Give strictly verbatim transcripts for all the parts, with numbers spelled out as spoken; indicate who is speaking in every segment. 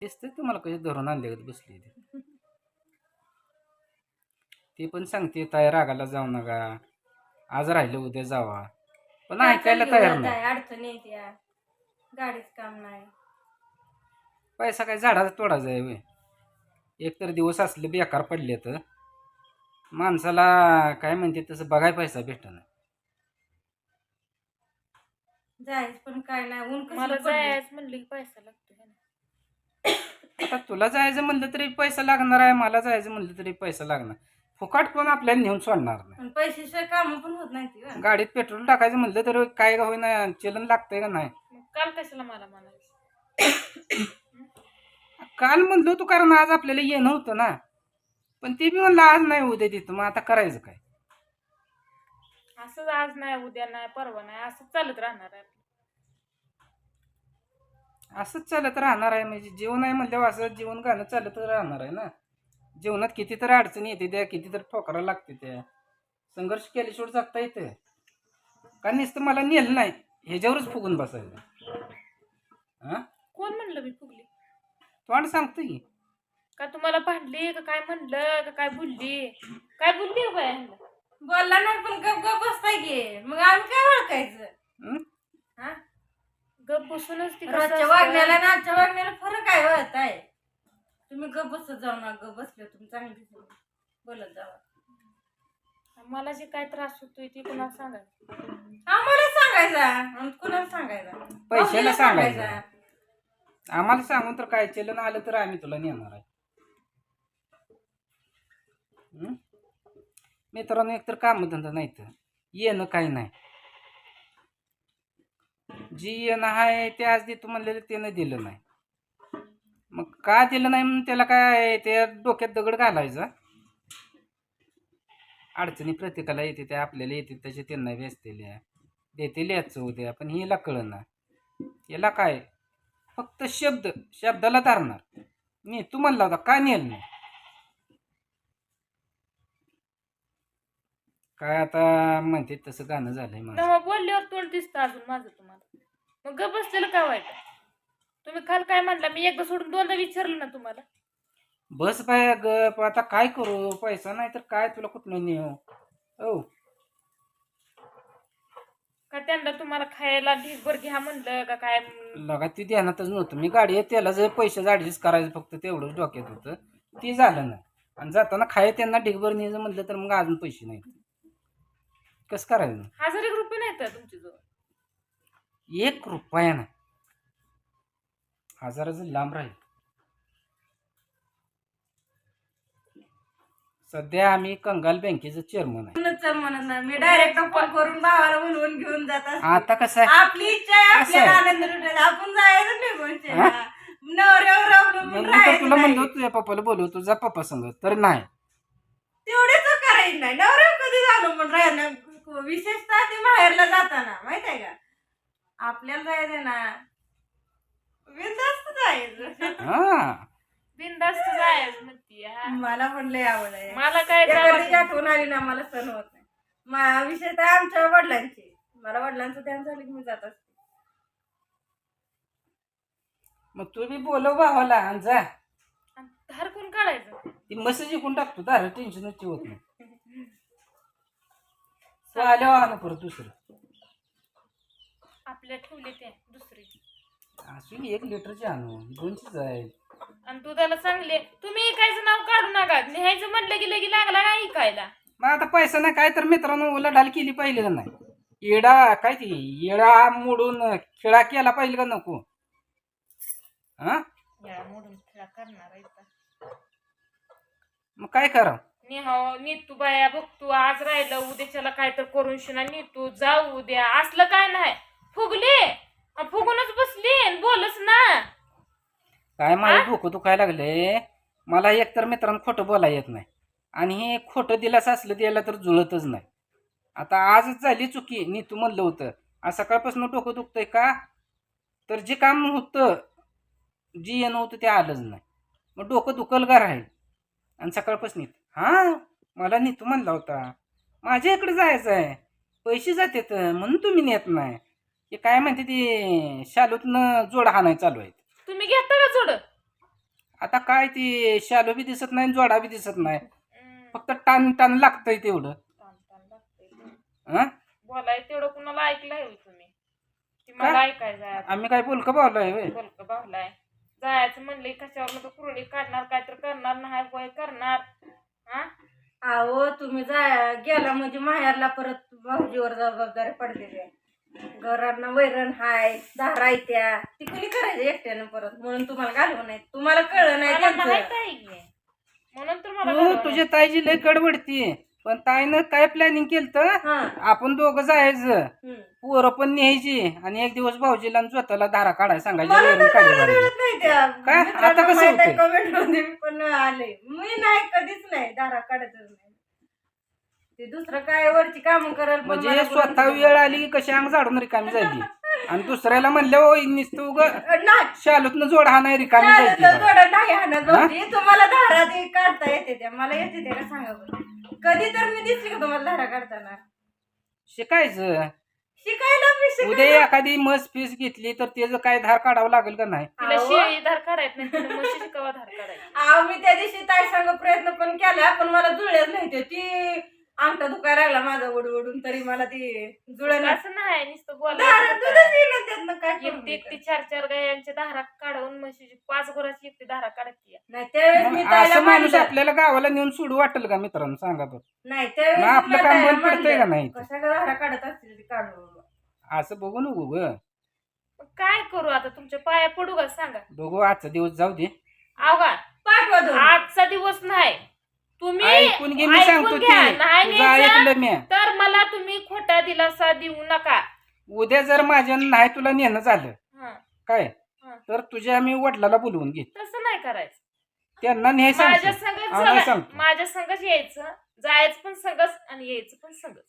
Speaker 1: दिसतंय तुम्हाला कशी धरून आणले बसली ती ती पण सांगते ताई रागाला जाऊ नका, आज राहिलं उद्या जावा, पण ऐकायला तयार नाही.
Speaker 2: अडचण येते, गाडीच काम नाही.
Speaker 1: पैसा काय झाडाचा तोडायचा आहे वे. एक तर दिवस असले बेकार पडले तर माणसाला काय म्हणते तसं बघाय पैसा भेटणार.
Speaker 2: जायच पण काय नाही, ऊन
Speaker 3: मला जायच म्हणलं की पैसा लागतो.
Speaker 1: आता तुला जायचं म्हणलं तरी पैसा लागणार आहे, मला जायचं म्हणलं तरी पैसा लागणार. फुकाट पण आपल्याला नेऊन सोडणार नाही.
Speaker 2: पैशाशिवाय काम पण होत नाही.
Speaker 1: गाडीत पेट्रोल टाकायचं म्हणलं तर काय का होईना चलन लागतंय का नाही.
Speaker 3: काल कशाला मला म्हणायचं?
Speaker 1: काल म्हणलो तू, कारण आज आपल्याला येणं होतं ना, पण ते बी म्हणलं आज नाही उद्या तिथं, मग आता करायचं काय?
Speaker 3: असंच आज नाही उद्या नाही परवा नाही असंच चालत राहणार आहे.
Speaker 1: असंच चालत राहणार आहे म्हणजे जीवन आहे म्हणल्यावर असं जीवन गाणं चालत राहणार आहे ना. जीवनात कितीतरी अडचणी येते त्या, कितीतरी ठोकरा लागते त्या, संघर्ष केल्याशिवाय जगता येते का? नुसतं मला नेलं नाही ह्याच्यावरच फुगून बसायचं. हा,
Speaker 3: कोण म्हणलं मी फुगली?
Speaker 1: तोंड सांगतो की
Speaker 3: का तुम्हाला भांडली का काय म्हणलं का काय बोलली? काय बोलली हो बाय?
Speaker 2: बोलला नाही पण गप गप बसताय की, मग आम्ही काय ओळखायचं?
Speaker 1: हं?
Speaker 2: हा,
Speaker 3: गप बसूनच ती
Speaker 2: रोजच्या वागण्याला आणि आजच्या वागण्याला फरक आहे होत आहे. तुम्ही गप बसत जाऊ ना, गप बसले तुम्ही चांगली बोलत जावा.
Speaker 3: मला जे काय त्रास होतोय ते कोणाला सांगायचं?
Speaker 2: आम्हाला सांगायचा आणि कुणाला सांगायचा?
Speaker 1: पैशाला
Speaker 2: भाऊजीला
Speaker 1: सांगायचं. आम्हाला सांगून तर काय चलन आलं तर आम्ही तुला नेणार आहे. हं? मित्रांनो, एकतर कामधंदा नाही तर येणं काही नाही. जी येणं आहे ते आज देतो म्हणलेलं त्यानं दिलं नाही. मग का दिलं नाही म्हणून त्याला काय ते डोक्यात दगड घालायचा. अडचणी प्रत्येकाला येते, त्या आपल्याला येते त्याचे त्यांना व्यसतेल्या देते याचं उद्या, पण हिला कळना. याला काय फक्त शब्द शब्दाला धरणार. मी तू म्हणला होता का नेल नाही काय, आता म्हणते तसं गाणं झालंय माझं.
Speaker 3: तेव्हा बोलल्यावर तोंड दिसतं अजून माझं तुम्हाला, मग गप बसलेलं काय वाईट? तुम्ही काल काय म्हणला? मी एकदा सोडून दोनदा विचारलं ना तुम्हाला.
Speaker 1: बस बाय गप, आता काय करू? पैसा नाही तर काय तुला कुठनं नेऊ? हो,
Speaker 3: का त्यांना तुम्हाला खायला ढीगभर घ्या म्हणलं का काय?
Speaker 1: लगा ती ध्यानातच नव्हतं. मी गाडी त्याला जर पैशाचं ऍडजस्ट करायचं फक्त तेवढंच डोक्यात होतं, ते झालं नाही. आणि जाताना खाय त्यांना ढिगभर न्यायचं म्हटलं तर मग अजून पैसे नाहीत, कसं करायचं?
Speaker 3: हजार एक रुपये नाही तर तुमच्याजवळ?
Speaker 1: एक रुपया ना, हजाराचं लांब राहील. सध्या आम्ही कंगाल बँकेचं चेअरमन आहे.
Speaker 2: चल म्हणत नाही, मी डायरेक्ट फोन करून भावाला म्हणून घेऊन जात असते.
Speaker 1: आता कसं आहे,
Speaker 2: आपली इच्छा आहे,
Speaker 1: कसं आहे?
Speaker 2: आपल्याला आनंद लुटायचा, आपण जायचं निघून नवऱ्यावर अवलंबून
Speaker 1: मी तर तुला म्हणलो
Speaker 2: राहायचं.
Speaker 1: तुझ्या पप्पाला बोलव, तुझा पप्पा सांग तर नाही.
Speaker 2: तेवढेच करायचं नाही, नवऱ्यावर कधी झालं पण राहिलं, विशेषतः ते बाहेरला जाताना माहित आहे का, आपल्याला जायचं ना बिनधास्त जायचं.
Speaker 1: हा,
Speaker 3: बिनधास्त जायचं म्हणती. हा.
Speaker 2: मला पण लय आवड आहे.
Speaker 3: मला काय
Speaker 2: एखादी
Speaker 3: जावायचं?
Speaker 2: आठवण आली ना मला सण होत नाही. मा विशेषतः आमच्या वडिलांची, मला वडिलांचं ध्यान झालं की मी जात असते.
Speaker 1: मग तू बी बोलव भावाला आणि जा.
Speaker 3: धार कोण काढायचं?
Speaker 1: ती मस्त जिंकून टाकतो, दार टेन्शनच होत नाही. तू आल्यावर आणू परत दुसरं.
Speaker 3: आपल्या ठेवले ते दुसरी
Speaker 1: असू एक लिटरची आणू, दोनशेच आहे.
Speaker 3: आणि दुधाला चांगले. तुम्ही ऐकायचं नाव काढू नका. लिहायचं म्हटलं की लगी लागला का ऐकायला?
Speaker 1: मग आता पैसा नाही काय तर मित्रांनो उलाढाल केली पाहिजे का नाही? येडा काय ती येडा मोडून खेळा केला पाहिजे का नको? हा,
Speaker 3: या मोडून खेळा करणार आहे का?
Speaker 1: मग काय करा?
Speaker 3: निहाव नीतू बाया बघतो, आज राहिलं उद्याच्याला काय तर करून शिना नीतू जाऊ उद्या असलं काय नाही. फुगले अन फुगूनच बसली अन बोलच ना.
Speaker 1: काय मला डोकं दुखायला लागले. मला एकतर मित्रांनो खोटं बोलायला येत नाही, आणि हे खोटं दिलास असलं द्यायला तर जुळतच नाही. आता आजच झाली चुकी, नी तू म्हणलं होतं आज सकाळपासून डोकं दुखतंय का, तर जे काम होतं जी येणं होतं ते आलंच नाही. मग डोकं दुखल का राहील? आणि सकाळपासून हां मला नी तू म्हणला होता माझ्या इकडे जायचं आहे, पैसे जातात म्हणून तुम्ही नेत नाही. हे काय म्हणते ती शालूतनं जोड हाणाय चालू आहे.
Speaker 3: तुम्ही घेता का जोड?
Speaker 1: आता काय ती शालो बी दिसत नाही जोडा बी दिसत नाही,
Speaker 3: हम्म,
Speaker 1: फक्त टान टान लागतंय तेवढं.
Speaker 3: ताण ताण लागतंय ते.
Speaker 1: हं?
Speaker 3: बोलाय तेवढं कुणाला ऐकलंय होय तुम्ही? ती मला ऐकायचं आहे आता.
Speaker 1: आम्ही काय बोलकं भावलोय होय?
Speaker 3: बोलकं बाहुलाय जायचं म्हणले कशावर कुरडी काढणार काय तर करणार नाही वय करणार. हा
Speaker 2: अहो तुम्ही जा गेला म्हणजे माहेरला परत भाऊजीवर जबाबदारी पडलेली आहे. घरांना वैरण हाय धारायत्या ती कुणी करायचं एकट्यानं परत, म्हणून तुम्हाला घालवं नाही. तुम्हाला कळलं नाही
Speaker 3: मला
Speaker 2: त्यांचं.
Speaker 3: माहित आहे की. म्हणून तर मला
Speaker 1: तू
Speaker 3: घालवलं.
Speaker 1: तुझ्या ताईची लय कडवडती, पण ताईनं काय प्लॅनिंग केलं,
Speaker 2: हा
Speaker 1: आपण दोघं जायचं,
Speaker 2: हम्म.
Speaker 1: पोरं पण न्यायची आणि एक दिवस भाऊजीला आणि स्वतःला धारा काढाय सांगायची,
Speaker 2: मला
Speaker 1: वैरण
Speaker 2: तर
Speaker 1: काढी
Speaker 2: कळलं
Speaker 1: भरायची.
Speaker 2: नाही त्या.
Speaker 1: काय?
Speaker 2: मित्रांना
Speaker 1: आता कसं
Speaker 2: माहित आहे,
Speaker 1: होतंय?
Speaker 2: comment मध्ये मी पण आले. मी नाही कधीच नाही दारा काढतच नाही. ते दुसरं काय वरची काम करल पण
Speaker 1: म्हणजे
Speaker 2: मला
Speaker 1: स्वतः
Speaker 2: बोलून
Speaker 1: वेळ आली की कशी अंग झाडून रिकामी झाली, आणि दुसऱ्याला म्हणलं ओ नुसतं उग
Speaker 2: नाही
Speaker 1: शालूतनं जोड हा नाही रिकामी
Speaker 2: चालेल
Speaker 1: जायची
Speaker 2: तर
Speaker 1: बा.
Speaker 2: थोडं नाही हाणत होती. तुम्हाला धारा ते काढता येते त्या, मला येते ते का सांगा बरं. कधी तर मी दिसली का तुम्हाला धारा काढताना?
Speaker 1: शिकायचं.
Speaker 2: शिकायला मी
Speaker 1: उद्या
Speaker 2: शिकायला
Speaker 1: एखादी म्हस पीस घेतली तर त्याचं काय धार काढावं लागेल का नाही?
Speaker 3: तिला
Speaker 2: अहो.
Speaker 3: शिळी धार काढायत नाही तिला म्हशीची कवा धार काढायची.
Speaker 2: अहो, मी त्या दिवशी ताई सांग प्रयत्न पण केला, पण मला जुळल्याच नाही ते. ती अंगठा दुखायला लागला माझा ओढून ओढून, तरी मला ती जुळलं नाही.
Speaker 3: असं नाही नुसतं
Speaker 2: धारा
Speaker 3: बोलायचं.
Speaker 2: दूधच येईना त्यातनं, काय करू
Speaker 3: एकटी
Speaker 2: मी
Speaker 3: एकटी
Speaker 2: तर?
Speaker 3: चार चार गायांच्या धारा काढून म्हशीची पाच गुराची एकटी धारा काढती.
Speaker 2: नाही त्यावेळेस मी
Speaker 1: मग
Speaker 2: ताईला
Speaker 1: असं माणूस
Speaker 2: मानलं.
Speaker 1: आपल्याला गावाला नेऊन सोडू वाटेल का मित्रांनो, सांगा बरं?
Speaker 2: नाही
Speaker 1: मग
Speaker 2: त्यावेळेस
Speaker 1: आपलं
Speaker 2: मी
Speaker 1: काम
Speaker 2: ताईला
Speaker 1: बंद पडतंय का
Speaker 2: मानलं.
Speaker 1: नाही?
Speaker 2: कशा का धारा काढत असतील ती काढून.
Speaker 1: असं बघू नको ग,
Speaker 3: मग काय करू आता तुमच्या पाया पडू का सांगा?
Speaker 1: बघू आजचा दिवस जाऊ दे.
Speaker 3: अवघा
Speaker 2: पाठवा दोन.
Speaker 3: आजचा दिवस नाही तुम्ही
Speaker 1: ऐकून घे, मी
Speaker 3: ऐकून
Speaker 1: सांगतो
Speaker 3: घ्या.
Speaker 1: की
Speaker 3: नाही
Speaker 1: तुझं
Speaker 3: न्यायचं,
Speaker 1: ऐकलं मी.
Speaker 3: तर मला तुम्ही खोटा दिलासा देऊ नका.
Speaker 1: उद्या जर माझ्या नाही तुला नेणं झालं
Speaker 3: हं,
Speaker 1: काय,
Speaker 3: हं.
Speaker 1: तर तुझ्या मी वडिलाला बोलवून घे,
Speaker 3: तसं नाही करायचं.
Speaker 1: त्यांना न्याय
Speaker 3: माझ्या
Speaker 1: सांगतो.
Speaker 3: संगच
Speaker 1: हा, नाही
Speaker 3: जगा-
Speaker 1: सांगतो.
Speaker 3: माझ्या संगच यायचं, जायचं पण संगच आणि यायचं पण संगच.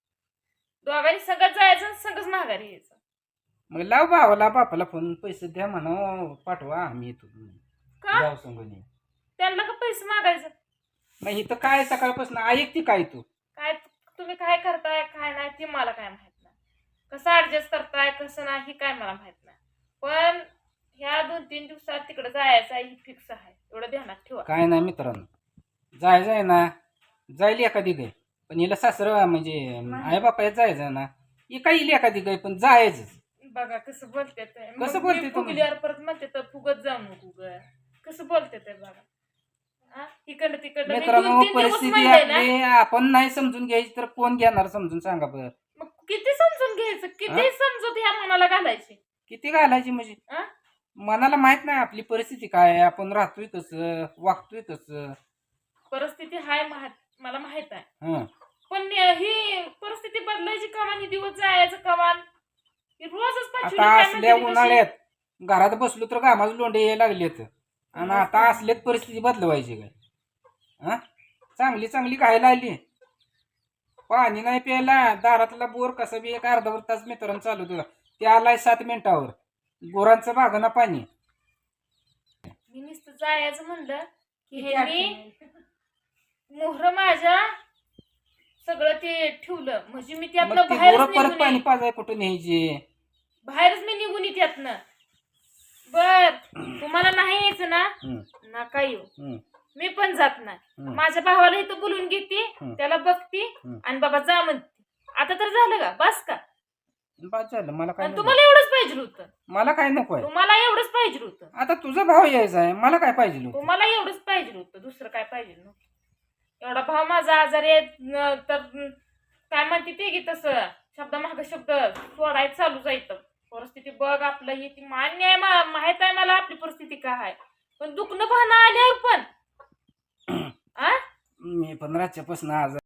Speaker 3: दोघांनी संगत जायचं आणि संगच माघारी यायचं.
Speaker 1: मग लाव भावाला बापाला फोन, पैसे द्या म्हणा, पाठवा आम्ही येतो
Speaker 3: का
Speaker 1: जाऊ संग.
Speaker 3: त्यांना का पैसे मागायचं?
Speaker 1: मग इथं काय सकाळपासून ऐकते काय तू?
Speaker 3: काय तुम्ही काय करताय काय नाही ते मला काय माहित नाही. कसं ऍडजस्ट करताय कसं नाही हे काय मला माहित नाही. पण ह्या दोन तीन दिवसात तिकडे जायचं आहे ही फिक्स आहे, एवढं ध्यानात ठेवा.
Speaker 1: काय नाही मित्रांनो, जायचं आहे ना, जाईल एखादी गाय, पण हिला सासर म्हणजे आई बापा जायचं ना, ही काही येईल एखादी गाय, पण जायचं.
Speaker 3: बघा कसं बोलते ते.
Speaker 1: कसं
Speaker 3: मग
Speaker 1: बोलते
Speaker 3: मी
Speaker 1: तुम्ही?
Speaker 3: फुगल्यावर परत म्हणते तर फुगत जाऊ नको ग. कसं बोलते ते बघा. हा? इकडं तिकडं मी
Speaker 1: मित्रांनो,
Speaker 3: दोन तीन दिवस
Speaker 1: परिस्थिती
Speaker 3: म्हणले ना,
Speaker 1: आपली आपण नाही समजून घ्यायची तर कोण घेणार समजून, सांगा बरं?
Speaker 3: मग किती समजून घ्यायचं, किती समजूत ह्या मनाला घालायची.
Speaker 1: किती घालायची म्हणजे?
Speaker 3: हा?
Speaker 1: मनाला माहित नाही आपली परिस्थिती काय आहे, आपण राहतोय कसं, वागतोय कसं.
Speaker 3: परिस्थिती हाय माहित मला माहित आहे,
Speaker 1: हं.
Speaker 3: पण ही परिस्थिती बदलायची कमान, ही दिवस जायचं कमान, ही रोजच पाचवी
Speaker 1: आता
Speaker 3: काय
Speaker 1: असल्या
Speaker 3: म्हणते ती
Speaker 1: उन्हाळ्यात घरात बसलो तर कामाचे लोंढे यायला लागलेत, आणि आता असल्यात परिस्थिती बदलवायची काय? हा, चांगली चांगली खायला आली, पाणी नाही प्यायला, दारातला बोर कसा बी एक अर्धा तास मित्रांनो चालू तुला, ते आलाय सात मिनिटावर, गुरांचं बागाना पाणी.
Speaker 3: मी नुसतं जायचं म्हणलं की
Speaker 2: किती
Speaker 3: हे मी
Speaker 2: अडचणी.
Speaker 3: मोहर माझ्या सगळं ते ठेवलं म्हणजे मी
Speaker 1: मग
Speaker 3: त्यातनं
Speaker 1: ते
Speaker 3: बाहेरच
Speaker 1: गुरं परत
Speaker 3: निघून
Speaker 1: पाणी
Speaker 3: येईन.
Speaker 1: पाजाय कुठं न्यायचे?
Speaker 3: बाहेरच मी निघून येते त्यातनं. बर तुम्हाला नाही यायचं ना,
Speaker 1: हं,
Speaker 3: नका येऊ,
Speaker 1: हं,
Speaker 3: मी पण जात नाही.
Speaker 1: हं.
Speaker 3: माझ्या भावाला इथं बोलून घेते,
Speaker 1: हं.
Speaker 3: त्याला बघते
Speaker 1: हं.
Speaker 3: आणि बाबा जा म्हणते. आता तर झालं का, बस का?
Speaker 1: बस झालं, मला काय
Speaker 3: आणि
Speaker 1: नको.
Speaker 3: तुम्हाला एवढंच पाहिजे होतं,
Speaker 1: मला काय नको आहे.
Speaker 3: तुम्हाला एवढंच पाहिजे होतं,
Speaker 1: आता तुझा भाव यायचा आहे, मला काय पाहिजे होतं?
Speaker 3: तुम्हाला एवढंच पाहिजे होतं, दुसरं काय पाहिजे नव्हतं. एवढा भाव माझा आजारी आहे न, तर काय म्हणते ते की तसं शब्द माग शब्द सोडायचं चालू जायचं. परिस्थिती बघ आपलं ही ती मान्य आहे, मा- माहित आहे मला आपली परिस्थिती काय आहे, पण दुखणं पाहणं आल्यावर पण आ
Speaker 1: मी पण रातच्यापासून आज